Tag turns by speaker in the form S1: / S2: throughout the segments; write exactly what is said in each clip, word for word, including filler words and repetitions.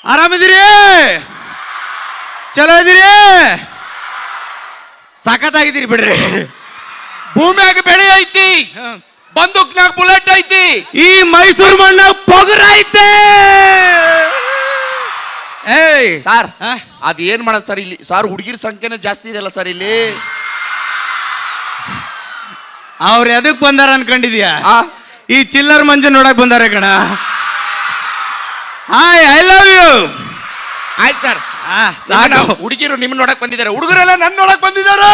S1: ಆರಾಮಿದ್ದೀರಿ? ಚಲೋ ಇದೀರಿ? ಸಖತ್ತಾಗಿದ್ದೀರಿ ಬಿಡ್ರಿ.
S2: ಭೂಮಿಯಾಗ ಬೆಳೆ ಐತಿ, ಬಂದೂಕ್ನಾಗ ಬುಲೆಟ್ ಐತಿ,
S1: ಈ ಮೈಸೂರು ಮಣ್ಣಾಗ ಪೊಗರ ಐತೆ. ಏಯ್
S2: ಸಾರ್ ಅದ್ ಏನ್ ಮಾಡೋದು ಸರ್ ಇಲ್ಲಿ? ಸಾರ್ ಹುಡುಗಿರ ಸಂಖ್ಯೆನೇ ಜಾಸ್ತಿ ಇದೆಯಲ್ಲ ಸರ್ ಇಲ್ಲಿ.
S1: ಅವ್ರು ಎದಕ್ ಬಂದಾರ ಅನ್ಕೊಂಡಿದ್ಯಾ?
S2: ಆ
S1: ಈ ಚಿಲ್ಲರ್ ಮಂಜು ನೋಡಕ್ ಬಂದಾರ ಕಣ. Hi, I love you.
S2: ಆಯ್ತು ಸರ್,
S1: ಸಾಕು.
S2: ಹುಡುಗಿರು ನಿಮ್ ನೋಡಕ್ ಬಂದಿದ್ದಾರೆ, ಹುಡುಗರೆಲ್ಲ ನನ್ ನೋಡಕ್ ಬಂದಿದ್ದಾರೆ.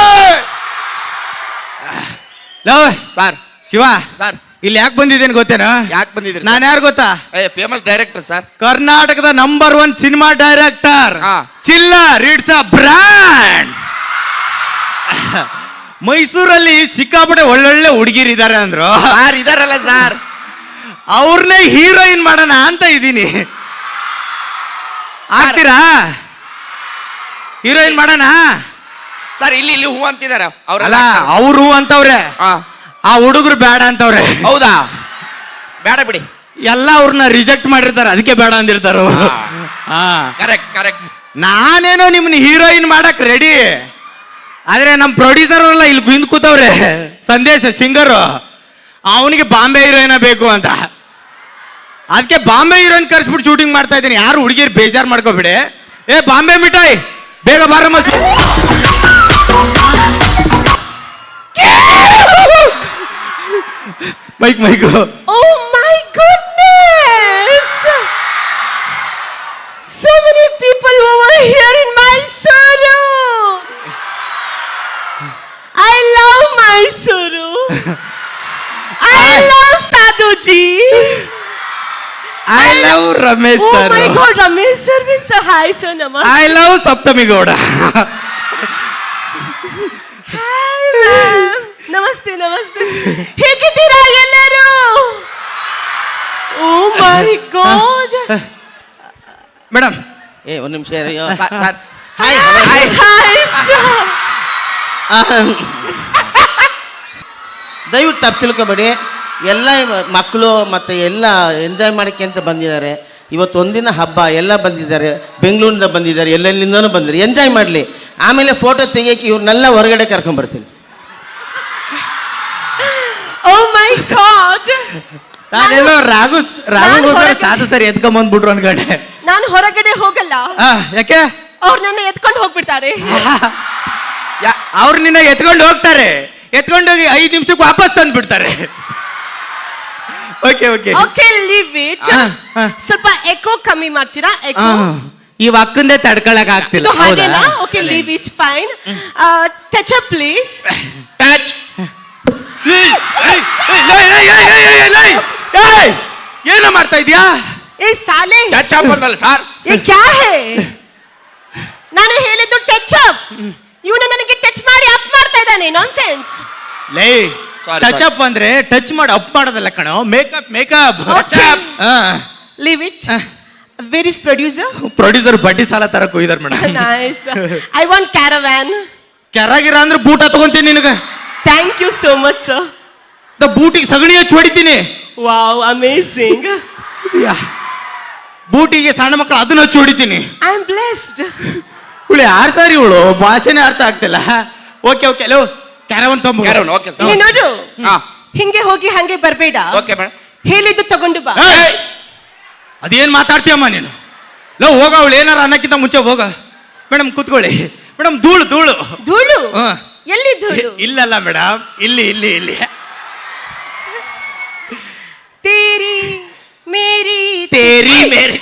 S1: ಲವ್
S2: ಸರ್
S1: ಶಿವ,
S2: ಸರ್
S1: ಇಲ್ಲಿ ಯಾಕೆ ಬಂದಿದ್ದೇನೆ ಗೊತ್ತೇನಾ?
S2: ಯಾಕೆ ಬಂದಿದ್ರಿ?
S1: ನಾನು ಯಾರು ಗೊತ್ತಾ?
S2: ಏ ಫೇಮಸ್ ಡೈರೆಕ್ಟರ್ ಸರ್,
S1: ಕರ್ನಾಟಕದ ನಂಬರ್ ಒನ್ ಸಿನಿಮಾ ಡೈರೆಕ್ಟರ್.
S2: ಹಾ.
S1: ಚಿಲ್ಲರ್, ಇಟ್ಸ್ ಅ ಬ್ರ್ಯಾಂಡ್. ಮೈಸೂರಲ್ಲಿ ಸಿಕ್ಕಾಪಟ್ಟೆ ಒಳ್ಳೊಳ್ಳೆ ಹುಡುಗಿರಿದ್ದಾರೆ ಅಂದ್ರು.
S2: ಸಾರ್ ಇದಾರಲ್ಲ ಸರ್,
S1: ಅವ್ರನ್ನೇ ಹೀರೋಯಿನ್ ಮಾಡೋಣ ಅಂತ ಇದ್ದೀನಿ. ಆಗ್ತೀರಾ? ಹೀರೋಯಿನ್ ಮಾಡೋಣ?
S2: ಸರ್ ಇಲ್ಲಿ ಇಲ್ಲಿ ಹೂ ಅಂತಿದಾರ
S1: ಅಲ್ಲ, ಅವರು ಅಂತವ್ರೆ, ಆ ಹುಡುಗರು ಬೇಡ ಅಂತವ್ರೆ.
S2: ಹೌದಾ? ಬೇಡ ಬಿಡಿ,
S1: ಎಲ್ಲ ಅವ್ರನ್ನ ರಿಜೆಕ್ಟ್ ಮಾಡಿರ್ತಾರೆ, ಅದಕ್ಕೆ ಬೇಡ ಅಂದಿರ್ತಾರ.
S2: Correct correct.
S1: ನಾನೇನೋ ನಿಮ್ನ ಹೀರೋಯಿನ್ ಮಾಡಕ್ ರೆಡಿ, ಆದ್ರೆ ನಮ್ ಪ್ರೊಡ್ಯೂಸರ್ ಎಲ್ಲ ಇಲ್ಲಿ ಹಿಂದ್ ಕೂತವ್ರೆ. ಸಂದೇಶ ಸಿಂಗರು, ಅವನಿಗೆ ಬಾಂಬೆ ಹೀರೋಯಿನ ಬೇಕು ಅಂತ. ಅದಕ್ಕೆ ಬಾಂಬೆ ಹೀರೋಯಿನ್ ಕರ್ಸ್ಬಿಟ್ಟು ಶೂಟಿಂಗ್ ಮಾಡ್ತಾ ಇದ್ದೀನಿ. ಯಾರು ಹುಡುಗಿರು ಬೇಜಾರು ಮಾಡ್ಕೋಬಿಡಿ. ಏ ಬಾಂಬೆ ಮಿಠಾಯಿ, ಬೇಗ ಬಾರಮ್ಮ. Mike mike.
S3: Oh my goodness! So many people over here in Mysuru. I love Mysuru. I love Sadhuji.
S1: I love Ramesh
S3: Oh
S1: sir.
S3: my God, Ramesh sir means a hi sir, namaste.
S1: I love Saptami Gowda.
S3: Hi ma'am. ನಮಸ್ತೆ ನಮಸ್ತೆ. ಹೇಗಿದ್ದೀರಾ ಎಲ್ಲರೂ? Oh my God.
S1: Madam,
S4: ಏ ಒಂದು ನಿಮಿಷ
S3: Hi hi sir.
S4: ದಯವಿಟ್ಟು ತಪ್ಪು ತಿಳ್ಕೊಬೇಡಿ. ಎಲ್ಲ ಮಕ್ಕಳು ಮತ್ತು ಎಲ್ಲ ಎಂಜಾಯ್ ಮಾಡೋಕ್ಕೆ ಅಂತ ಬಂದಿದ್ದಾರೆ. ಇವತ್ತು ಒಂದಿನ ಹಬ್ಬ, ಎಲ್ಲ ಬಂದಿದ್ದಾರೆ, ಬೆಂಗಳೂರಿಂದ ಬಂದಿದ್ದಾರೆ, ಎಲ್ಲೆಲ್ಲಿಂದನೂ ಬಂದಿದ್ದಾರೆ. ಎಂಜಾಯ್ ಮಾಡಲಿ. ಆಮೇಲೆ ಫೋಟೋ ತೆಗಿಯೋಕ್ಕೆ ಇವ್ರನ್ನೆಲ್ಲ ಹೊರಗಡೆ ಕರ್ಕೊಂಬರ್ತೀನಿ.
S3: Oh my God.
S1: ನಾನೆಲ್ಲೋ ರಾಘು ರಾಘುಗೋಸ್ಕರ ಸಾಧು ಸರಿ ಎತ್ಕೊಂಬಂದ್ಬಿಟ್ರು ಅನ್ಕೊಂಡೆ.
S3: ನಾನು ಹೊರಗಡೆ ಹೋಗಲ್ಲ.
S1: ಯಾಕೆ?
S3: ಅವ್ರು ನನ್ನ ಎತ್ಕೊಂಡು ಹೋಗ್ಬಿಡ್ತಾರೆ.
S1: ಅವ್ರು ನಿನ್ನ ಎತ್ಕೊಂಡು ಹೋಗ್ತಾರೆ, ಎತ್ಕೊಂಡೋಗಿ ಐದು ನಿಮಿಷಕ್ಕೆ ವಾಪಸ್ ತಂದು ಬಿಡ್ತಾರೆ. Okay okay
S3: okay, leave it. ಸ್ವಲ್ಪ ಎಕೋ ಕಮ್ಮಿ ಮಾಡ್ತೀರಾ? ಎಕೋ
S1: ಈ ಅಕ್ಕಂದೇ ತಡ್ಕೊಳಕ್ ಆಗ್ತಿಲ್ಲ.
S3: ಹಾಗೇನಾ? Okay, leave it, fine. Touch up please.
S2: Touch.
S1: ಏನೋ ಮಾಡ್ತಾ ಇದೀಯಾ?
S3: ಏ ಸಾಲೆ,
S2: ಟಚ್ ಅಪ್ ಅಂದಲ್ಲ ಸರ್.
S3: ಏ ಕ್ಯಾ ಹೇ? ನಾನು ಹೇಳಿದ್ದು ಟಚ್ ಅಪ್. ಇವನು ನನಗೆ ಟಚ್ ಮಾಡಿ ಅಪ್ ಮಾಡ್ತಾ ಇದ್ದಾನೆ. ನಾನ್ಸೆನ್ಸ್.
S1: ಲೇ, ಟಚ್ ಅಪ್ ಅಂದ್ರೆ ಟಚ್ ಮಾಡಿ ಅಪ್ ಮಾಡೋದಲ್ಲ ಕಣೋ, makeup makeup.
S3: Leave it. Where is producer?
S1: Producer ಬಡ್ಡಿ ಸಾಲ ತರಕ್ ಹೋಗಿದಾರೆ madam.
S3: Nice. I want caravan.
S1: ಕೆರಾಗಿರ ಅಂದ್ರೆ ಬೂಟ ತಗೊಂತೀನಿ ನಿನಗೆ.
S3: Thank you so much sir.
S1: ದ ಬೂಟಿಗೆ ಸಗಣಿ ಹಚ್ಚಿ ಹೊಡಿತೀನಿ.
S3: Wow, amazing.
S1: ಬೂಟಿಗೆ ಸಣ್ಣ ಮಕ್ಕಳು ಅದನ್ನ ಹಚ್ಚಿ ಹೊಡಿತೀನಿ.
S3: I am blessed.
S1: ಇವಳು ಯಾರು ಸಾರಿ, ಇವಳು ಭಾಷೆನೇ ಅರ್ಥ ಆಗ್ತಿಲ್ಲ. ಓಕೆ ಓಕೆ, ಲೋ ಕ್ಯಾರವನ್ ತೊಂಬ.
S2: Caravan, okay sir.
S3: ಇಲ್ಲಿ ನೋಡು,
S2: ಹಾ
S3: ಹಿಂಗೆ ಹೋಗಿ ಹಂಗೆ ಬರಬೇಡ.
S2: Okay madam.
S3: ಹೇಳಿದ್ದು ತಗೊಂಡು ಬಾ.
S1: ಅದೇನ್ ಮಾತಾಡ್ತೀಯಮ್ಮ ನೀನು? ಲೋ ಹೋಗ, ಅವಳು ಏನಾರ ಅನ್ನಕ್ಕಿಂತ ಮುಂಚೆ ಹೋಗ. ಮೇಡಮ್ ಕೂತ್ಕೊಳ್ಳಿ. ಮೇಡಮ್ ಧೂಳು ಧೂಳು
S3: ಧೂಳು?
S1: ಹಾ.
S3: ಎಲ್ಲಿ ಧೂಳು?
S1: ಇಲ್ಲಲ್ಲ ಮೇಡಮ್, ಇಲ್ಲಿ ಇಲ್ಲಿ ಇಲ್ಲಿ.
S3: ತೇರಿ ಮೇರಿ
S1: ತೇರಿ ಮೇರಿ.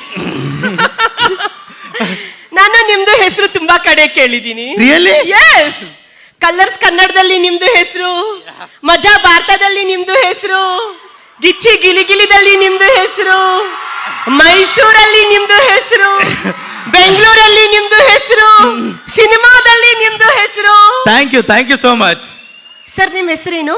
S3: ನಾನು ನಿಮ್ದು ಹೆಸರು ತುಂಬಾ ಕಡೆ ಕೇಳಿದ್ದೀನಿ.
S1: Really?
S3: ಎಸ್. ಕಲರ್ಸ್ ಕನ್ನಡದಲ್ಲಿ ನಿಮ್ದು ಹೆಸರು, ಮಜಾ ಭಾರತದಲ್ಲಿ ನಿಮ್ದು ಹೆಸರು, ಗಿಚ್ಚಿ ಗಿಲಿಗಿಲಿದಲ್ಲಿ ನಿಮ್ದು ಹೆಸರು, ಮೈಸೂರಲ್ಲಿ ನಿಮ್ದು ಹೆಸರು, ಬೆಂಗಳೂರಲ್ಲಿ ನಿಮ್ದು ಹೆಸರು, ಸಿನಿಮಾದಲ್ಲಿ ನಿಮ್ದು ಹೆಸರು.
S1: Thank you thank you so much.
S3: Sir, ನಿಮ್ಮ ಹೆಸರೇನು?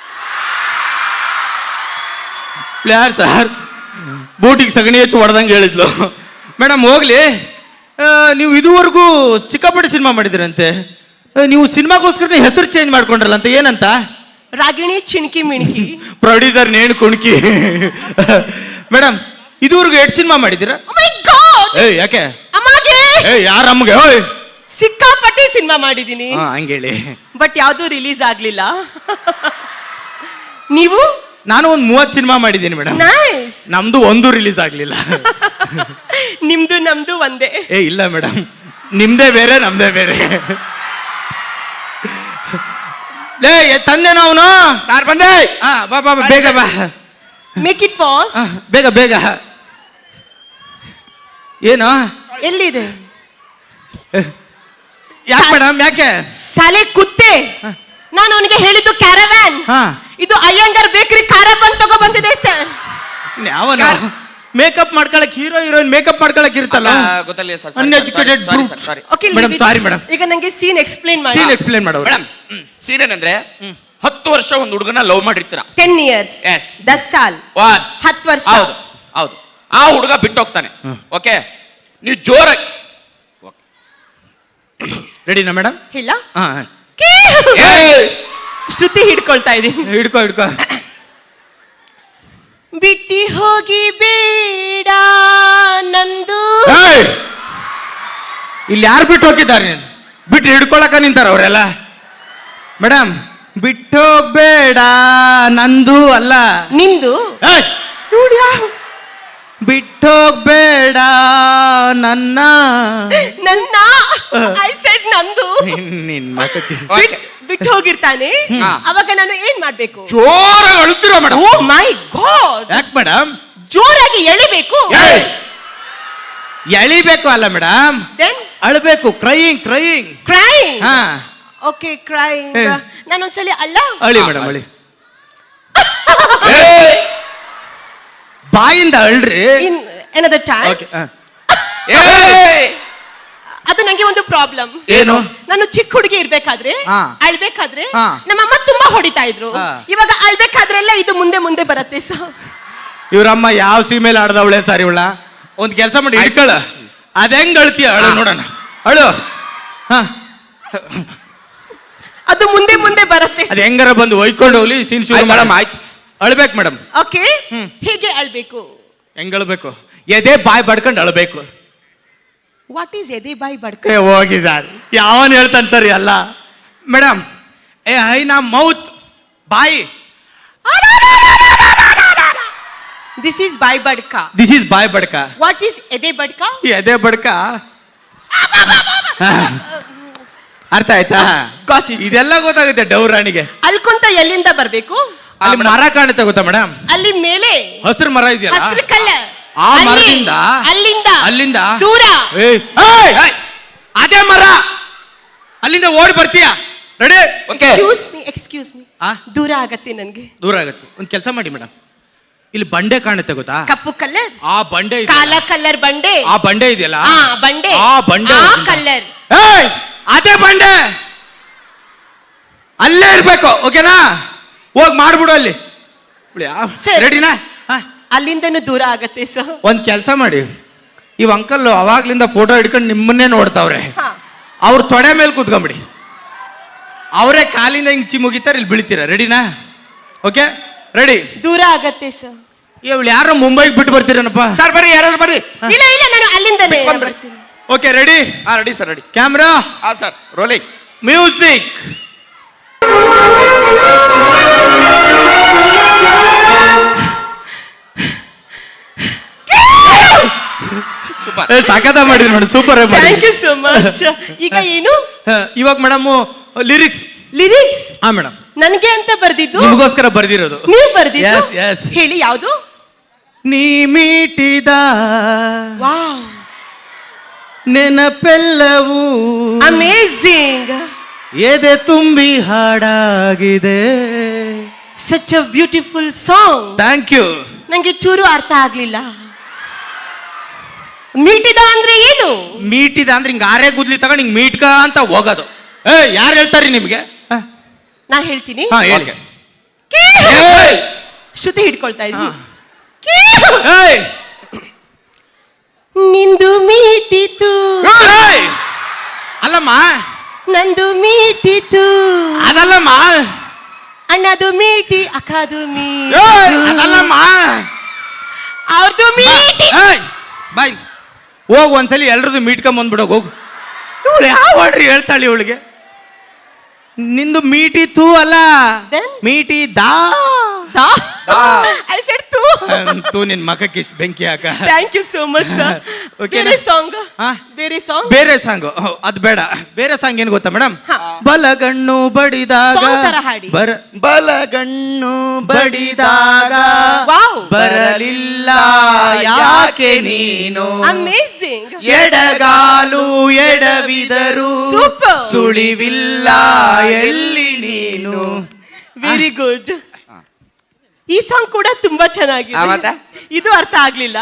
S1: ಯಾರು ಸರ್? ಬೂಟಿಗೆ ಸಗಣಿ ಹಚ್ಚಿ ಹೊಡೆದಂಗೆ ಹೇಳಿದ್ಲು ಮೇಡಮ್. ಹೋಗ್ಲಿ, ನೀವು ಇದುವರೆಗೂ ಸಿಕ್ಕಾಪಟ್ಟೆ ಸಿನಿಮಾ ಮಾಡಿದಿರಂತೆ. ನೀವು ಸಿನಿಮಾಗೋಸ್ಕರ ಹೆಸರು ಚೇಂಜ್ ಮಾಡ್ಕೊಂಡ್ರಲ್ಲ ಅಂತ, ಏನಂತ?
S3: ರಾಗಿಣಿ ಚಿಣ್ಕಿ ಮಿಣ್ಕಿ.
S1: ಪ್ರೊಡ್ಯೂಸರ್ ನೇಣು ಕುಣ್ಕಿ. ಮೇಡಮ್, ಇದುವರೆಗೂ ಎಷ್ಟು ಸಿನಿಮಾ ಮಾಡಿದ್ದೀರಾ?
S3: Oh my God! ಗಾಡ್
S1: ಏಯ್ ಯಾಕೆ
S3: ಅಮ್ಮಗೆ
S1: ಏಯ್ ಯಾರ ಅಮ್ಮಗೆ ಓಯ್
S3: ಸಿಕ್ಕಾಪಟ್ಟೆ ಸಿನಿಮಾ ಮಾಡಿದೀನಿ
S1: ಹಾ ಹಂಗೇಳಿ
S3: ಬಟ್ ಯಾವ್ದು ರಿಲೀಸ್ ಆಗ್ಲಿಲ್ಲ ನೀವು
S1: ನಾನು ಒಂದ್ ಮೂವತ್ ಸಿನಿಮಾ ಮಾಡಿದ್ದೀನಿ ಮೇಡಮ್
S3: ನೈಸ್
S1: ನಮ್ದು ಒಂದು ರಿಲೀಸ್ ಆಗ್ಲಿಲ್ಲ
S3: ನಿಮ್ದು ನಮ್ದು ಒಂದೇ
S1: ಏ ಇಲ್ಲ ಮೇಡಮ್ ನಿಮ್ದೇ ಬೇರೆ ನಮ್ದೇ ಬೇರೆ ಲೇ ತಂದೆನ ಅವನು
S2: ಸಾರ್ ಬಂದೆ
S1: ಹಾ ಬಾ ಬಾ ಬಾ, ಬೇಗ ಬಾ
S3: ಮೇಕ್ ಇಟ್ ಫಾಸ್ಟ್
S1: ಆ, ಬೇಗ ಬೇಗ ಏನು
S3: ಎಲ್ಲಿದೆ
S1: ಯಾಕೆ ಮೇಡಮ್ ಯಾಕೆ
S3: ಸಾಲೆ ಕುತ್ತೆ ನಾನು ಅವನಿಗೆ ಹೇಳಿದ್ದು ಕ್ಯಾರವ್ಯಾನ್
S1: ಹಾ.
S3: ಇದು ಅಯ್ಯಂಗಾರ್ ಬೇಕರಿ ಖಾರ ಬಂದ್ ತಗೋ ಬಂದಿದೆ ಸರ್
S1: ಯಾವನ ಮೇಕಪ್ ಮಾಡ್ಕೊಳಕ್ ಹೀರೋ ಹೀರೋಯಿನ್ ಮೇಕಪ್ ಮಾಡ್ಕೊಳಕ್ ಇರುತ್ತಲ್ಲ
S2: ಗೊತ್ತಲ್ಲ sir
S1: uneducated
S2: sorry sir sorry
S3: okay
S1: madam sorry madam
S3: ಈಗ ನಂಗೆ ಸೀನ್ ಎಕ್ಸ್ಪ್ಲೇನ್ ಮಾಡಿ
S1: ಸೀನ್ ಎಕ್ಸ್ಪ್ಲೇನ್ ಮಾಡೋರು
S2: ಮೇಡಮ್ ಸೀನ್ ಏನಂದ್ರೆ ಹತ್ತು ವರ್ಷ ಒಂದು ಹುಡುಗನ ಲವ್ ಮಾಡಿರ್ತೀರ
S3: ಟೆನ್ ಇಯರ್ಸ್
S2: Yes.
S3: ದಸ್ ಸಾಲ್
S2: ವಾಸ್
S3: ಹತ್ತು ವರ್ಷ.
S2: ಹೌದು ಹೌದು ಆ ಹುಡುಗ ಬಿಟ್ಟು ಹೋಗ್ತಾನೆ ಓಕೆ ನೀವು ಜೋರಾಗಿ
S1: ರೆಡಿನಾ ಮೇಡಮ್
S3: ಇಲ್ಲ
S1: ಹಾ
S3: ಶ್ರುತಿ ಹಿಡ್ಕೊಳ್ತಾ ಇದೀನಿ
S1: ಹಿಡ್ಕೋ ಹಿಡ್ಕೋ
S3: ಬಿಟ್ಟಿ ಹೋಗಿ ಬೇಡ ನಂದು
S1: ಏಯ್! ಇಲ್ಲಿ ಯಾರು ಬಿಟ್ಟು ಹೋಗಿದ್ದಾರೆ ನೀನು ಬಿಟ್ಟು ಹಿಡ್ಕೊಳಕ ನಿಂತಾರ ಅವರೆಲ್ಲ ಮೇಡಮ್ ಬಿಟ್ಟು ಬೇಡ ನಂದು ಅಲ್ಲ
S3: ನಿಂದು
S1: ಏಯ್! ಇವ್ನು ಯಾವ? ಬಿಟ್ಟೋಗ್ಬೇಡ ನನ್ನ
S3: ನನ್ನ ಐ ಸೆಡ್ ನಂದು
S1: ನಿನ್- ನಿನ್ ಮಾತಕ್ಕೆ
S2: ಓಕೆ
S3: ಬಿಟ್ಟು ಹೋಗಿರ್ತಾನೆ
S2: ಹಾ.
S3: ಅವಾಗ ನಾನು ಏನ್ ಮಾಡ್ಬೇಕು
S2: ಜೋರಾಗಿ ಅಳುತ್ತೀರ ಮೇಡಮ್
S3: ಓ ಮೈ ಗಾಡ್
S1: ಯಾಕೆ ಮೇಡಮ್
S3: ಜೋರಾಗಿ ಎಳಿಬೇಕು
S1: ಎಳಿಬೇಕು ಅಲ್ಲ ಮೇಡಮ್
S3: ದೆನ್
S1: ಅಳ್ಬೇಕು ಕ್ರೈಯಿಂಗ್ ಕ್ರೈಯಿಂಗ್
S3: ಕ್ರೈಂಗ್
S1: ಹಾ
S3: ಓಕೆ ಕ್ರೈಂಗ್
S1: ಹೇ.
S3: ನಾನು ಒಂದ್ಸಲಿ ಅಲ್ಲ
S1: ಅಳಿ ಮೇಡಮ್ ಅಳಿ ಬಾಯಿಂದ ಅಳ್ರಿ
S3: ಇನ್ ಎನದರ್ ಟೈಮ್
S1: ಓಕೆ
S3: ಅದು ನಂಗೆ ಒಂದು ಪ್ರಾಬ್ಲಮ್
S1: ಏನು
S3: ನಾನು ಚಿಕ್ಕ ಹುಡುಗಿ ಇರ್ಬೇಕಾದ್ರೆ
S1: ಹಾ.
S3: ಅಳ್ಬೇಕಾದ್ರೆ
S1: ಹಾ.
S3: ನಮ್ಮಮ್ಮ ತುಂಬಾ ಹೊಡಿತಾ ಇದ್ರು
S1: ಹಾ.
S3: ಇವಾಗ ಅಳ್ಬೇಕಾದ್ರೆಲ್ಲ ಇದು ಮುಂದೆ ಮುಂದೆ ಬರುತ್ತೆ ಸರ್
S1: ಇವ್ರಮ್ಮ ಯಾವ ಸೀಮೆಯಲ್ಲಿ ಆಡ್ದವಳೆ ಸಾರಿ ಉಳ್ಳ ಒಂದ್ ಕೆಲಸ ಮಾಡಿ ಹಿಡ್ಕೊಳ ಅದ ಹೆಂಗ್ ಅಳ್ತೀಯ ಅಳು ನೋಡೋಣ ಅಳು ಹಾ
S3: ಅದು ಮುಂದೆ ಮುಂದೆ ಬರುತ್ತೆ
S1: ಅದ್ ಹೆಂಗಾರ ಬಂದು ಒಯ್ಕೊಂಡು ಹೋಗ್ಲಿ ಸೀನ್ ಶುರು
S2: ಮೇಡಮ್
S1: ಮೇಡಮ್
S2: ಆಯ್ತು
S1: ಅಳ್ಬೇಕು ಮೇಡಮ್
S3: ಓಕೆ
S1: ಹ್ಮ್.
S3: ಹೇಗೆ ಅಳ್ಬೇಕು
S1: ಹೆಂಗ್ ಅಳ್ಬೇಕು ಎದೆ ಬಾಯ್ ಬಡ್ಕೊಂಡು ಅಳ್ಬೇಕು
S3: ವಾಟ್ ಈಸ್ ಎದೆ ಬಾಯಿ ಬಡ್ಕ
S1: ಏ ಹೋಗಿ ಸರ್ ಯಾವನ್ ಹೇಳ್ತಾನೆ ಸರ್ ಎಲ್ಲ ಮೇಡಮ್ ಏ ಐ ನಾ ಮೌತ್ ಬಾಯಿ
S3: ದಿಸ್ ಈಸ್ ಬಾಯಿ ಬಡ್ಕ
S1: ದಿಸ್ ಈಸ್ ಬಾಯ್ ಬಡ್ಕ
S3: ವಾಟ್ ಈಸ್ ಎದೆ ಬಡ್ಕ
S1: ಈ ಎದೆ ಬಡ್ಕ ಹಾ. ಅರ್ಥ ಆಯ್ತಾ
S3: Got it.
S1: ಇದೆಲ್ಲ ಗೊತ್ತಾಗುತ್ತೆ ಡೌರಾಣಿಗೆ
S3: ಅಲ್ಕೊಂತ ಎಲ್ಲಿಂದ ಬರ್ಬೇಕು
S1: ಅಲ್ಲಿ ಮರ ಕಾಣುತ್ತೆ ಗೊತ್ತಾ ಮೇಡಮ್
S3: ಅಲ್ಲಿ ಮೇಲೆ
S1: ಹಸಿರು ಮರ ಇದೆಯಲ್ಲ
S3: ಹಸಿರು ಕಲ್ಲ
S1: ಆ
S3: ಅಲ್ಲಿ,
S1: ಮರದಿಂದ
S3: ಅಲ್ಲಿಂದ
S1: ಅಲ್ಲಿಂದ
S3: ದೂರ
S1: ಏಯ್, ಏಯ್, ಏಯ್, ಅದೇ ಮರ ಅಲ್ಲಿಂದ ಓಡಿ ಬರ್ತೀಯ ready
S2: okay
S3: excuse me excuse me
S1: ಆ
S3: ದೂರ ಆಗತ್ತೆ ನನ್ಗೆ
S1: ದೂರ ಆಗತ್ತೆ ಒಂದ್ ಕೆಲಸ ಮಾಡಿ ಮೇಡಮ್ ಇಲ್ಲಿ ಬಂಡೆ ಕಾಣುತ್ತೆ ಗೊತ್ತಾ
S3: ಕಪ್ಪು ಕಲ್ಲರ್
S1: ಆ ಬಂಡೆ
S3: ಕಾಲ
S1: ಇದೆಯಲ್ಲ,
S3: ಕಲ್ಲರ್ ಬಂಡೆ
S1: ಆ ಬಂಡೆ ಇದೆಯಲ್ಲ
S3: ಆ ಬಂಡೆ
S1: ಆ ಬಂಡೆ
S3: ಆ
S1: ಹೋಗಿಂದ.
S3: ಕಲ್ಲರ್
S1: ಏಯ್, ಅದೇ ಬಂಡೆ ಅಲ್ಲೇ ಇರ್ಬೇಕು ಓಕೆನಾ ಹೋಗ್ ಮಾಡ್ಬಿಡು ಅಲ್ಲಿ
S3: ಸರಿ.
S1: ರೆಡಿನಾ
S3: ಅಲ್ಲಿಂದನೂ ದೂರ ಆಗತ್ತೆ ಸರ್
S1: ಒಂದ್ ಕೆಲಸ ಮಾಡಿ ಇವ್ ಅಂಕಲ್ ಅವಾಗ್ಲಿಂದ ಫೋಟೋ ಹಿಡ್ಕೊಂಡು ನಿಮ್ಮನ್ನೇ ನೋಡ್ತಾವ್ರೆ
S3: ಹಾ
S1: ಅವ್ರ ತೊಡೆ ಮೇಲೆ ಕೂತ್ಕೊಂಬಿಡಿ ಅವರೇ ಕಾಲಿಂದ ಹಿಂಗ್ ಚಿ ಮುಗಿತಾರೆ ಇಲ್ಲಿ ಬೀಳ್ತೀರಾ ರೆಡಿನಾ ಓಕೆ ರೆಡಿ
S3: ದೂರ ಆಗತ್ತೆ ಸರ್
S1: ಇವಳು ಯಾರೋ ಮುಂಬೈಗೆ ಬಿಟ್ಟು ಬರ್ತೀರೇನಪ್ಪ
S2: ಸರ್ ಬರ್ರಿ ಯಾರಾದ್ರೂ ಬರ್ರಿ
S3: ಇಲ್ಲ ಇಲ್ಲ ನಾನು ಅಲ್ಲಿಂದನೇ
S2: ಬಂದ್ಬಿಡಿ.
S3: ಬರ್ತೀನಿ
S1: ಓಕೆ ರೆಡಿ
S2: ಹಾ ರೆಡಿ ಸರ್ ರೆಡಿ
S1: ಕ್ಯಾಮ್ರಾ
S2: ಹಾ ಸರ್ ರೋಲಿಂಗ್
S1: ಮ್ಯೂಸಿಕ್
S2: ಸೂಪರ್
S1: ಸಖತ ಮಾಡಿದ್ರಿ madam super
S3: thank you so much ಈಗ ಏನು
S1: ಇವಾಗ ಮೇಡಮ್ ಲಿರಿಕ್ಸ್
S3: ಲಿರಿಕ್ಸ್
S1: ಹಾ ಮೇಡಮ್
S3: ನನ್ಗೆ ಅಂತ ಬರ್ದಿದ್ದು
S1: ನಿಮಗೋಸ್ಕರ ಬರ್ದಿರೋದು
S3: ನೀವು ಬರ್ದಿದ್ದು
S1: Yes, yes.
S3: ಹೇಳಿ ಯಾವುದು
S1: ನೀ ಮೀಟಿದ
S3: ವಾವ್
S1: ನೆನಪೆಲ್ಲವೂ
S3: ಅಮೇಜಿಂಗ್
S1: ಎದೆ ತುಂಬಿ ಹಾಡಾಗಿದೆ
S3: such a beautiful song
S1: thank you
S3: ನಂಗೆ ಚೂರು ಅರ್ಥ ಆಗ್ಲಿಲ್ಲ ಮೀಟಿದ ಅಂದ್ರೆ ಏನು
S1: ಮೀಟಿದ ಅಂದ್ರೆ ಹಿಂಗ ಆರೆ ಗುದ್ಲಿ ತಗೊಂಡು ಹಿಂಗ್ ಮೀಟ್ಕ ಅಂತ ಹೋಗೋದು ಏ ಯಾರು ಹೇಳ್ತಾರಿ ನಿಮ್ಗೆ ಹ?
S3: ನಾ ಹೇಳ್ತೀನಿ
S1: ಹಾ ಹೇಳಿ
S2: ಏಯ್!
S3: ಶ್ರುತಿ ಹಿಡ್ಕೊಳ್ತಾ ಇದ್ದೀನಿ
S1: ಏಯ್!
S3: ನಿಂದು ಮೀಟಿತು
S1: ಏಯ್! ಅಲ್ಲಮ್ಮ
S3: ನಂದು ಮೀಟಿತು
S1: ಅದಲ್ಲಮ್ಮ
S3: ಅಣ್ಣದು ಮೀಟಿ ಅಕ್ಕದು
S1: ಏಯ್!
S3: ಮೀಟಿ
S1: ಅದಲ್ಲಮ್ಮ
S3: ಅವ್ರದ್ದು ಮೀಟಿ
S1: ಏಯ್! ಬಾಯ್ ಹೋಗ್ ಒಂದ್ಸಲಿ ಎಲ್ರದ್ದು ಮೀಟ್ಕೊಂಬಂದ್ಬಿಡೋಗ ಹೋಗು. ಇವಳು ಯಾವ ಆಡ್ರಿ ಹೇಳ್ತಾಳೆ ಇವಳಿಗೆ. ನಿಂದು ಮೀಟಿ ತೂ ಅಲ್ಲ,
S3: Then?
S1: ಮೀಟಿ ದಾ
S3: ಐ ಸೆಡ್ ತೂ.
S1: ತೂ ನಿನ್ ಮಖಕ್ಕೆ ಇಷ್ಟು ಬೆಂಕಿ ಹಾಕ.
S3: Thank you so much sir.
S1: Okay
S3: ಬೇರೆ
S1: ನಾ?
S3: ಸಾಂಗ್
S1: ಹಾ?
S3: ಬೇರೆ ಸಾಂಗ್
S1: ಬೇರೆ ಸಾಂಗ್ ಅದು ಬೇಡ. ಬೇರೆ ಸಾಂಗ್ ಏನ್ ಗೊತ್ತಾ ಮೇಡಮ್?
S3: ಹಾ.
S1: ಬಲಗಣ್ಣು ಬಡಿದಾಗ
S3: Song ತರ ಹಾಡಿ.
S1: ಬರ ಬಲಗಣ್ಣು ಬಡಿದಾಗ
S3: Wow.
S1: ಬರಲಿಲ್ಲ ಯಾಕೆ ನೀನು,
S3: ಅಮೇಜಿಂಗ್.
S1: ಎಡಗಾಲು ಎಡವಿದರು
S3: Super.
S1: ಸುಳಿವಿಲ್ಲ ಎಲ್ಲಿ ನೀನು.
S3: Very good. ಈ ಸಾಂಗ್ ಕೂಡ ತುಂಬಾ
S2: ಆ,
S3: ಚೆನ್ನಾಗಿದೆ.
S2: ಮತ್ತೆ?
S3: ಇದು ಅರ್ಥ ಆಗ್ಲಿಲ್ಲ.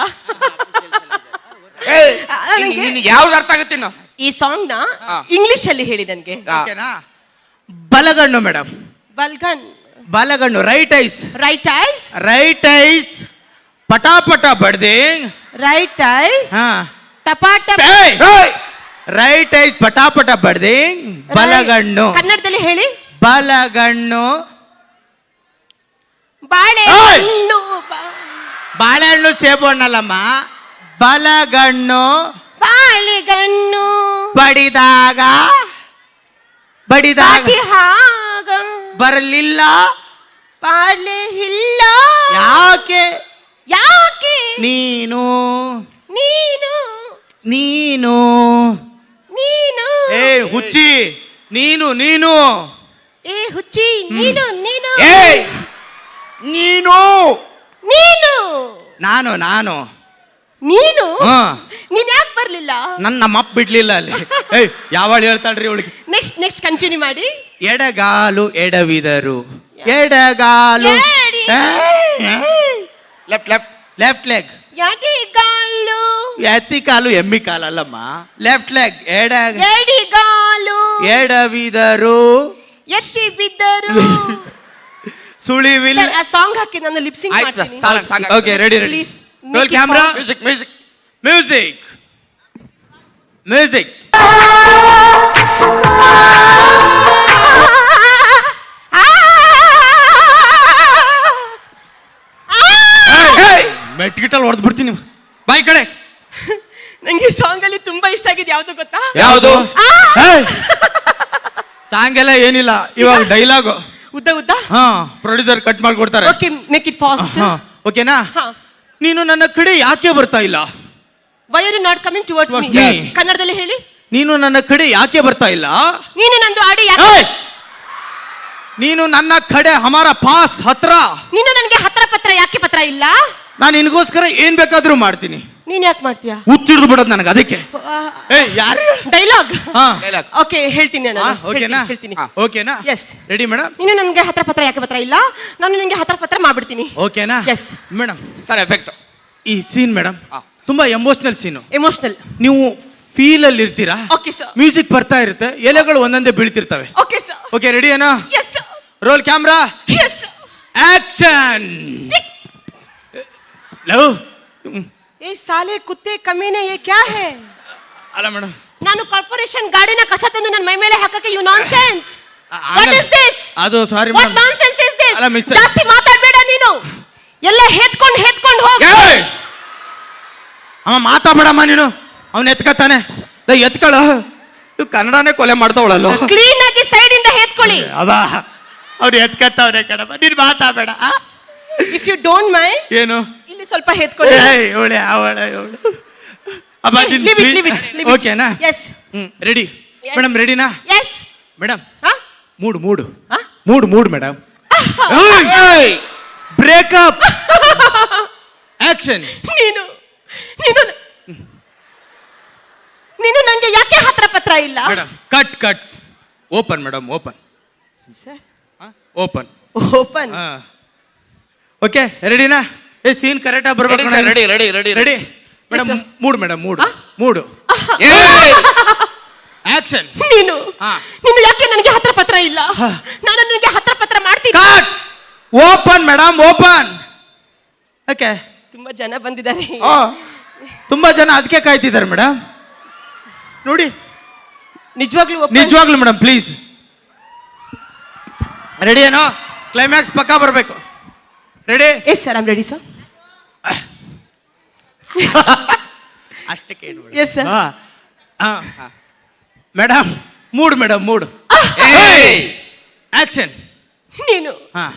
S2: ಏಯ್,
S3: ಆ, ನನಗೆ-
S2: ನಿನ್ ಯಾವ್ದು ಅರ್ಥ ಆಗುತ್ತೆ ಇನ್ನು?
S3: ಈ ಸಾಂಗ್ ನ
S2: ಹಾ.
S3: ಇಂಗ್ಲಿಷ್ ಅಲ್ಲಿ ಹೇಳಿ ನನ್ಗೆ.
S2: ಆ.
S1: ಓಕೆನಾ? ಬಲಗಣ್ಣು ಮೇಡಮ್,
S3: ಬಲ್ಗನ್
S1: ಬಲಗಣ್ಣು right eyes,
S3: right eyes,
S1: right eyes ಪಟಾಪಟ ಬಡ್ದೆ.
S3: ರೈಟ್ ಐಸ್
S1: ಹಾ,
S3: ಟಪಾಟ.
S1: ರೈಟ್ ಐಸ್ ಪಟಾಪಟ ಬಡ್ದೆ. ಬಲಗಣ್ಣು
S3: ಕನ್ನಡದಲ್ಲಿ ಹೇಳಿ.
S1: ಬಲಗಣ್ಣು
S3: ಬಾಳೆ
S1: ಏಯ್!
S3: ಹಣ್ಣು ಬಾ-
S1: ಬಾಳೆಹಣ್ಣು ಸೇಬು ಹಣ್ಣಲ್ಲಮ್ಮ, ಬಲಗಣ್ಣು
S3: ಬಾಳೆಗಣ್ಣು
S1: ಬಡಿದಾಗ ಬಡಿದಾಗ
S3: ಬಾಟಿ ಹಾಗ
S1: ಬರಲಿಲ್ಲ
S3: ಬಾಳೆ ಇಲ್ಲ
S1: ಯಾಕೆ
S3: ಯಾಕೆ
S1: ನೀನು
S3: ನೀನು
S1: ನೀನು
S3: ನೀನು
S1: ಏ ಹುಚ್ಚಿ ನೀನು ನೀನು
S3: ಏ ಹುಚ್ಚಿ ನೀನು ನೀನು
S2: ಏಯ್, ನೀನು
S3: ನೀನು
S1: ನಾನು ನಾನು
S3: ನೀನು
S1: ಹಾ.
S3: ನೀನ್ ಯಾಕೆ ಬರ್ಲಿಲ್ಲ?
S1: ನನ್ನ ನಮ್ಮಪ್ಪ ಬಿಡ್ಲಿಲ್ಲ ಅಲ್ಲಿ. ಏಯ್ ಯಾವಳು ಹೇಳ್ತಾಳ್ರಿ ಅವಳಿಗೆ.
S3: ನೆಕ್ಸ್ಟ್ ನೆಕ್ಸ್ಟ್ ಕಂಟಿನ್ಯೂ ಮಾಡಿ.
S1: ಎಡಗಾಲು ಎಡವಿದರು, ಎಡಗಾಲು
S3: ಎಡಿ.
S2: ಲೆಫ್ಟ್ ಲೆಫ್ಟ್
S1: ಲೆಫ್ಟ್ ಲೆಗ್,
S3: ಯಾಕೆ ಗಾಲು
S1: ಎತ್ತಿ ಕಾಲು ಎಮ್ಮಿ ಕಾಲಲ್ಲಮ್ಮ, ಲೆಫ್ಟ್ ಲೆಗ್ ಎಡ
S3: ಎಡಿಗಾಲು
S1: ಎಡವಿದರು
S3: ಎತ್ತಿ ಬಿದ್ದರು.
S1: ಸುಳಿವಿಲ್ಲ.
S3: ಸರ್, ಆ ಸಾಂಗ್ ಹಾಕಿ ನಾನು ಲಿಪ್ಸಿಂಗ್
S2: ಆಯ್ತು ಸರ್,
S3: ಮಾಡ್ತೀನಿ.
S2: Song song
S1: okay ready ready.
S3: Please,
S1: roll
S3: make it
S1: camera,
S3: fast.
S2: Music music
S1: music music. ಮೆಟ್ಗಿಟಲ್ ಹೊಡೆದ್ ಬಿಡ್ತೀನಿ ಬಾಯ್ ಕಡೆ.
S3: ನಂಗೆ ಸಾಂಗ್ ಅಲ್ಲಿ ತುಂಬಾ ಇಷ್ಟ ಆಗಿದೆ. ಯಾವ್ದು ಗೊತ್ತಾ?
S2: ಯಾವುದು?
S1: ಸಾಂಗ್ ಎಲ್ಲ ಏನಿಲ್ಲ, ಇವಾಗ ಡೈಲಾಗ್.
S3: ಉದ್ದ ಉದ್ದ.
S1: ಹಾ, ಪ್ರೊಡ್ಯೂಸರ್ ಕಟ್ ಮಾಡಿ ಕೊಡ್ತಾರೆ.
S3: Okay, make it fast.
S1: ಹಾ, ಓಕೆನಾ?
S3: ಹಾ.
S1: ನೀನು ನನ್ನ ಕಡೆ ಯಾಕೆ ಬರ್ತಾ ಇಲ್ಲ?
S3: Why are you not coming towards me?
S1: Towards me.
S3: ಕನ್ನಡದಲ್ಲಿ ಹೇಳಿ.
S1: ನೀನು ನನ್ನ ಕಡೆ ಯಾಕೆ ಬರ್ತಾ ಇಲ್ಲ?
S3: ನೀನು ನಂದು ಆಡಿ ಯಾಕೆ?
S1: ಏಯ್! ನೀನು ನನ್ನ ಕಡೆ ಹಮಾರ ಪಾಸ್ ಹತ್ರ.
S3: ನೀನು ನನಗೆ ಹತ್ರ ಪತ್ರ ಯಾಕೆ ಪತ್ರ ಇಲ್ಲ?
S1: ನಾನು ನಿನಗೋಸ್ಕರ ಏನ್ ಬೇಕಾದ್ರೂ ಮಾಡ್ತೀನಿ.
S3: ನೀನ್ ಯಾಕೆ ಮಾಡ್ತೀಯಾ?
S1: ಹುಚ್ಚಿಡ್ದು ಬಿಡೋದು ನನಗೆ ಅದಕ್ಕೆ. ಏಯ್ ಯಾರು?
S3: ಡೈಲಾಗ್.
S1: ಹಾ,
S2: ಡೈಲಾಗ್.
S3: ಓಕೆ, ಹೇಳ್ತೀನಿ ನಾನು.
S1: ಹಾ, ಓಕೆನಾ?
S3: ಹೇಳ್ತೀನಿ.
S2: ಹಾ.
S1: ಓಕೆನಾ?
S3: Yes.
S1: Ready madam?
S3: ನೀನು ನನಗೆ ಹತ್ರ ಪತ್ರ ಯಾಕೆ ಪತ್ರ ಇಲ್ಲ? ನಾನು ನಿನಗೆ ಹತ್ರ ಪತ್ರ ಮಾಡ್ಬಿಡ್ತೀನಿ.
S1: ಓಕೆನಾ?
S3: Yes.
S1: Madam,
S2: sir effect.
S1: ಈ ಸೀನ್ ಮೇಡಮ್
S2: ಹಾ.
S1: ತುಂಬಾ ಎಮೋಷನಲ್ ಸೀನು.
S3: ಎಮೋಷನಲ್.
S1: ನೀವು ಫೀಲ್ ಅಲ್ಲಿ ಇರ್ತೀರಾ.
S3: Okay sir.
S1: ಮ್ಯೂಸಿಕ್ ಬರ್ತಾ ಇರುತ್ತೆ, ಎಲೆಗಳು ಒಂದೊಂದೇ ಬೀಳ್ತಿರ್ತವೆ.
S3: Okay sir.
S1: ಓಕೆ ರೆಡಿ ಏನಾ?
S3: Yes sir.
S1: Roll camera,
S3: yes.
S1: Action. Love.
S3: ಏ ಸಾಲೆ ಕುತ್ತೆ ಕಮೀನೆ ಯೇ ಕ್ಯಾ ಹೈ?
S1: ಅಲ್ಲ ಮೇಡಮ್,
S3: ನಾನು ಕಾರ್ಪೊರೇಷನ್ ಗಾಡಿನ ಕಸ ತಂದು ನನ್ನ ಮೈ ಮೇಲೆ ಹಾಕಕ್ಕೆ you nonsense. What is this?
S1: ಅದು sorry
S3: what
S1: madam.
S3: Nonsense is this?
S1: ಅಲ್ಲ, miss.
S3: ಜಾಸ್ತಿ ಮಾತಾಡಬೇಡ ನೀನು. ಎಲ್ಲ ಹೆತ್ಕೊಂಡು ಹೆತ್ಕೊಂಡು ಹೋಗು.
S1: ಅವ ಮಾತಾಡಬೇಡಮ್ಮ ನೀನು, ಅವನ್ ಎತ್ಕತಾನೆ. ಎತ್ಕೊಳ್ಳೋ, ನೀವು ಕನ್ನಡನೇ ಕೊಲೆ ಮಾಡ್ತಾವಳಲ್ಲ.
S3: ಕ್ಲೀನ್ ಆಗಿ ಸೈಡ್ ಇಂದ ಹೆತ್ಕೊಳ್ಳಿ.
S1: ಅವ ಅವ್ರು ಎತ್ಕತ್ತವ್ರೆ ಕಣಮ್ಮ, ನೀನು ಮಾತಾಡಬೇಡ.
S3: ಇಫ್ ಯು ಡೋಂಟ್ ಮೈಂಡ್,
S1: ಏನು?
S3: ಇಲ್ಲಿ ಸ್ವಲ್ಪ ಹೆತ್ಕೊಳ್ಳಿ.
S1: ಇವಳೆ ಅವಳ ಇವಳು ಅಬ್ಬ
S3: Leave it, leave it, leave it.
S1: ಓಕೆನಾ?
S3: Yes.
S1: Hmm ready
S3: Yes.
S1: Madam. ರೆಡಿನಾ
S3: Yes.
S1: ಮೇಡಮ್?
S3: ಹಾ?
S1: ಮೂಡ್ ಮೂಡ್
S3: ಹಾ?
S1: Mood mood madam. Breakup action.
S3: ನೀನು ನೀನು ನೀನು ನಂಗೆ ಯಾಕೆ ಹತ್ರ ಪತ್ರ ಇಲ್ಲ?
S1: Madam cut cut open madam, open
S3: sir,
S1: open.
S3: Open.
S1: Okay ರೆಡಿನಾ? ಏ ಸೀನ್ ಕರೆಕ್ಟ್ ಆಗಿ ಬರ್ಬೇಕು.
S2: Ready ready ready
S1: ready madam?
S3: sir.
S1: Mood madam, mood
S3: ಹಾ?
S1: ಮೂಡು
S2: ಏಯ್,
S1: ಆಕ್ಷನ್.
S3: ನೀನು
S1: ಹಾ.
S3: ನೀನು ಯಾಕೆ ನನಗೆ ಹತ್ರ ಪತ್ರ ಇಲ್ಲ? ನಾನು ನಿನಗೆ ಹತ್ರ ಪತ್ರ ಮಾಡ್ತೀನಿ.
S1: Cut open madam, open. Okay,
S3: ತುಂಬಾ ಜನ ಬಂದಿದ್ದಾರೆ.
S1: ತುಂಬಾ ಜನ ಅದಕ್ಕೆ ಕಾಯ್ತಿದ್ದಾರೆ ಮೇಡಮ್. ನೋಡಿ
S3: ನಿಜವಾಗ್ಲೂ open?
S1: ನಿಜವಾಗ್ಲು ಮೇಡಮ್ ಪ್ಲೀಸ್. ರೆಡಿ ಏನೋ? ಕ್ಲೈಮ್ಯಾಕ್ಸ್ ಪಕ್ಕ ಬರಬೇಕು. ರೆಡಿ?
S3: Yes sir, I am ready sir.
S1: ಆ
S2: ಲಾಸ್ಟಕ್ಕೆ ಏನು
S3: yes sir.
S1: Madam mood madam mood
S2: ಏಯ್!
S1: ಆಕ್ಷನ್.
S3: ನೀನು
S1: ಹಾ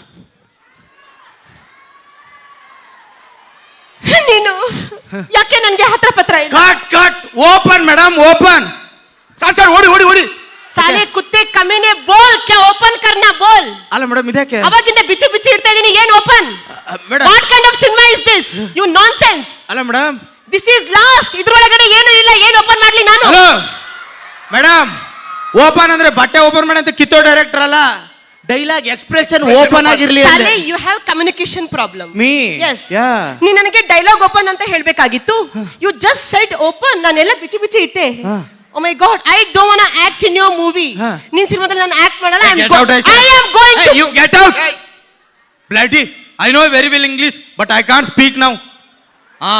S3: ನೀನು ಯಾಕೆ ನನ್ಗೆ ಹತ್ರ ಪತ್ರ ಇಲ್ಲ?
S1: Cut cut open madam open.
S2: Sir sir ಓಡಿ ಓಡಿ ಓಡಿ
S3: ಸಾಲೆ ಕುತ್ತೆ ಕಮೀನೆ ಬೋಲ್ ಕ್ಯಾ ಓಪನ್ ಕರ್ನಾ ಬೋಲ್.
S1: ಅಲ್ಲ ಮೇಡಮ್ ಇದಕ್ಕೆ
S3: ಅವಾಗಿಂದ ಬಿಚ್ಚಿ ಬಿಚ್ಚಿ ಇಡ್ತಾ ಇದೀನಿ, ಏನ್ open?
S1: Madam
S3: what kind of cinema is this? You nonsense.
S1: ಅಲ್ಲ ಮೇಡಮ್
S3: ದಿಸ್ ಇಸ್ ಲಾಸ್ಟ್. ಇದ್ರೊಳಗಡೆ ಏನು ಇಲ್ಲ, ಏನ್ ಓಪನ್ ಮಾಡ್ಲಿ ನಾನು?
S1: ಹಲೋ ಮೇಡಮ್, ಓಪನ್ ಅಂದ್ರೆ ಬಟ್ಟೆ ಓಪನ್ ಮಾಡಿ ಅಂತ ಕಿತ್ತೋ ಡೈರೆಕ್ಟರ್ ಅಲ್ಲ, ಡೈಲಾಗ್ ಎಕ್ಸ್ಪ್ರೆಷನ್ ಓಪನ್ ಆಗಿರ್ಲಿ
S3: ಸಾಲೆ
S1: ಅಂದ್ರೆ.
S3: You have communication problem.
S1: Me?
S3: Yes.
S1: Yeah.
S3: ನೀ ನನಗೆ ಡೈಲಾಗ್ ಓಪನ್ ಅಂತ ಹೇಳ್ಬೇಕಾಗಿತ್ತು. You just said open. ನಾನೆಲ್ಲ ಬಿಚ್ಚಿ ಬಿಚ್ಚಿ ಇಟ್ಟೆ. Oh my god, I don't want to act in your movie.
S1: Huh.
S3: ನಿನ್ ಸಿನಿಮಾದಲ್ಲಿ ನಾನು ಆಕ್ಟ್ ಮಾಡಲ್ಲ. I
S1: Get out, I
S3: am
S1: say.
S3: I am going to
S1: Hey, you get out. Bloody, I know very well English, but I can't speak now. ಹಾ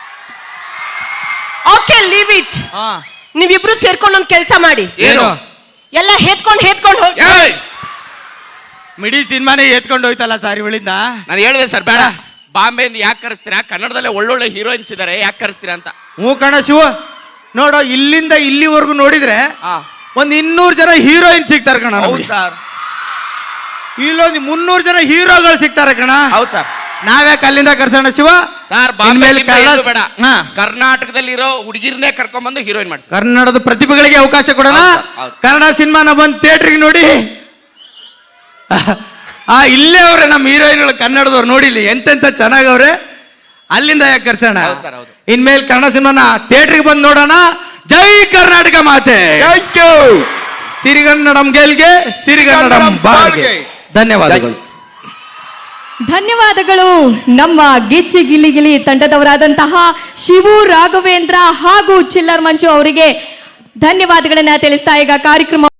S3: okay, leave it.
S1: ಹಾ
S3: ನೀವಿಬ್ರು ಸೇರ್ಕೊಂಡು ಒಂದು ಕೆಲಸ ಮಾಡಿ.
S2: ಏನು?
S3: ಎಲ್ಲ ಹೇತ್ಕೊಂಡು ಹೇತ್ಕೊಂಡು ಹೋಗಿ.
S2: ಏಯ್!
S1: ಮಿಡಿ ಸಿನಿಮಾನೇ ಎತ್ಕೊಂಡು ಹೋಯ್ತಲ್ಲ ಸರ್ ಇವಳಿಂದ.
S2: ನಾನು ಹೇಳಿದೆ ಸರ್ ಬೇಡ, ಬಾಂಬೆಯಿಂದ ಯಾಕೆ ಕರೆಸ್ತೀರಾ, ಕನ್ನಡದಲ್ಲೇ ಒಳ್ಳೊಳ್ಳೆ ಹೀರೋಯಿನ್ಸ್ ಇದಾರೆ, ಯಾಕೆ ಕರೆಸ್ತೀರಾ ಅಂತ.
S1: ಹ್ಞೂ ಕಣ ಶಿವ, ನೋಡು ಇಲ್ಲಿಂದ ಇಲ್ಲಿವರೆಗೂ ನೋಡಿದ್ರೆ
S2: ಹಾ.
S1: ಒಂದ್ ಇನ್ನೂರು ಜನ ಹೀರೋಯಿನ್ ಸಿಗ್ತಾರೆ ಕಣ.
S2: ಹೌದು ಸರ್,
S1: ಇಲ್ಲೊಂದು ಮುನ್ನೂರು ಜನ ಹೀರೋಗಳು ಸಿಗ್ತಾರೆ ಕಣ.
S2: ಹೌದು ಸರ್.
S1: ನಾವ್ಯಾಕೆ ಅಲ್ಲಿಂದ ಕರ್ಸೋಣ ಶಿವ?
S2: ಸರ್
S1: ಇನ್ಮೇಲೆ
S2: ಬಾಂಬೆ
S1: ಕನ್ನಡ-
S2: ಬೇಡ,
S1: ಹಾ.
S2: ಕರ್ನಾಟಕದಲ್ಲಿರೋ ಹುಡುಗಿರ್ನೇ ಕರ್ಕೊಂಡ್ಬಂದು ಹೀರೋಯಿನ್ ಮಾಡಿಸಿ.
S1: ಕನ್ನಡದ ಪ್ರತಿಭೆಗಳಿಗೆ ಅವಕಾಶ ಕೊಡೋಣ.
S2: ಹೌದು, ಹೌದು.
S1: ಕನ್ನಡ ಸಿನಿಮಾನ ಬಂದು ಥಿಯೇಟ್ರಿಗೆ ನೋಡಿ. ಆ ಇಲ್ಲೇ ಅವ್ರೆ ನಮ್ಮ ಹೀರೋಯಿನ್ಗಳು ಕನ್ನಡದವ್ರು ನೋಡಿಲಿ ಎಂತೆಂತ ಚೆನ್ನಾಗವ್ರೆ. ಅಲ್ಲಿಂದ ಯಾಕೆ ಕರ್ಸೋಣ?
S2: ಹೌದು ಸರ್, ಹೌದು.
S1: ಇನ್ಮೇಲೆ ಕನ್ನಡ ಸಿನಿಮಾನ ಥಿಯೇಟ್ರಿಗೆ ಬಂದು ನೋಡೋಣ. ಜೈ ಕರ್ನಾಟಕ ಮಾತೆ.
S2: Thank you.
S1: ಸಿರಿಗನ್ನಡಂ ಗೆಲ್ಗೆ, ಸಿರಿಗನ್ನಡಂ ಬಾಳ್ಗೆ. ಧನ್ಯವಾದಗಳು.
S5: ಧನ್ಯವಾದಗಳು ನಮ್ಮ ಗಿಚ್ಚಿ ಗಿಲಿ ಗಿಲಿ ತಂಡದವರಾದಂತಹ ಶಿವು ರಾಘವೇಂದ್ರ ಹಾಗೂ ಚಿಲ್ಲರ್ ಮಂಜು ಅವರಿಗೆ ಧನ್ಯವಾದಗಳನ್ನ ತಿಳಿಸ್ತಾ ಈಗ ಕಾರ್ಯಕ್ರಮ